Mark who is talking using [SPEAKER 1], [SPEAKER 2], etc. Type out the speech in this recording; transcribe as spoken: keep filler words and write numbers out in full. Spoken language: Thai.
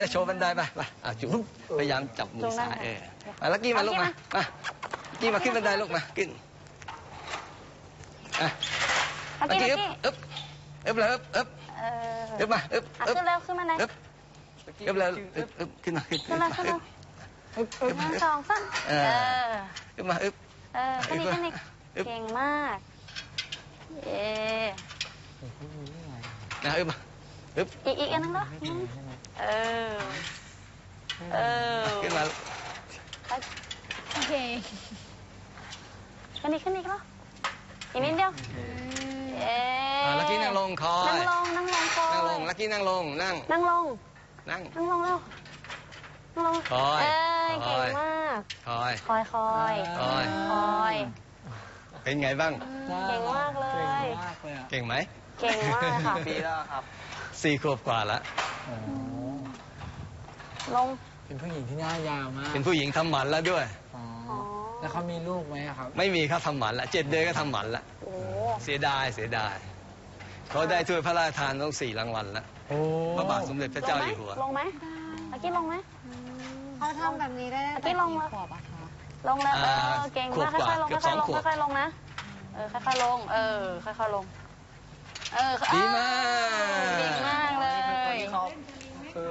[SPEAKER 1] โชว์บันไดไปไปอ่ะจุ๊บพยายามจับมือซ้ายเออมาลักกี้มาลูกมามากี้มาขึ้นบันไดลูกมาขึ้นอ่ะลักกี้อึ๊บอึ๊บอึ๊บเลยอึ๊บอึ๊บอึ๊บมาอึ๊บอึ๊บ
[SPEAKER 2] ขึ้นเร็วขึ้นมาไหน
[SPEAKER 1] อึ๊บอึ๊บเลยอึ๊บอึ๊บขึ้นมาขึ้นขึ้นมาอึ๊บ
[SPEAKER 2] อึ๊บอึ๊บหนึ่งสองสามเออ
[SPEAKER 1] อึ๊บมาอึ๊บ
[SPEAKER 2] เออขึ้นอีกขึ้นอีกเก่งมากเย้
[SPEAKER 1] นะอึ๊บมาอึ๊บ
[SPEAKER 2] อีกอีกอันนึงเนาะเออเออ
[SPEAKER 1] ขึ้นมา
[SPEAKER 2] โอเคขึ้นอีกขึ้นอีกเนาะอีกนิดเดียวเอ๊ะ
[SPEAKER 1] ลักกี้นั่งลงคอย
[SPEAKER 2] นั่งลงนั่งลงคอย
[SPEAKER 1] นั่งลงลักกี้นั่งลงนั่ง
[SPEAKER 2] นั่งลง
[SPEAKER 1] นั่ง
[SPEAKER 2] นั่งลงแล้วนั่งลง
[SPEAKER 1] คอย
[SPEAKER 2] เอ้ยเก่งมาก
[SPEAKER 1] คอย
[SPEAKER 2] คอยคอย
[SPEAKER 1] คอย
[SPEAKER 2] คอย
[SPEAKER 1] เป็นไงบ้าง
[SPEAKER 2] เก่งมากเลย
[SPEAKER 1] เก่งไหม
[SPEAKER 2] เก่งมากค่ะ
[SPEAKER 3] ปีแล้วครับ
[SPEAKER 1] สี่ขวบกว่าแล้ว
[SPEAKER 2] ลง
[SPEAKER 3] เป็นผู้หญิงที่หน้ายาวมาก
[SPEAKER 1] เป็นผู้หญิงทำหมันแล้วด้วย
[SPEAKER 3] แล้วเขามีลูกไหมครับ
[SPEAKER 1] ไม่มีครับทำหมันละเจ็ดเดือนก็ทำหมันละเสียดายเสียดายเขาได้ถ้วยพระราชทานต้องสี่รางวัลแล้วพระบาทสมเด็จพระเจ้าอยู่หัว
[SPEAKER 2] ลงไหมอากี้ลงไหม
[SPEAKER 4] เขาทำแบบนี้ได้
[SPEAKER 2] อากี้ลงมาลงแล้วเออเก่งมากค่อยๆลงค่อยๆลงค่อยๆลงนะเออค่อยๆลงเออค่อยๆลงเออ
[SPEAKER 1] ดีมาก
[SPEAKER 2] เก่งมาก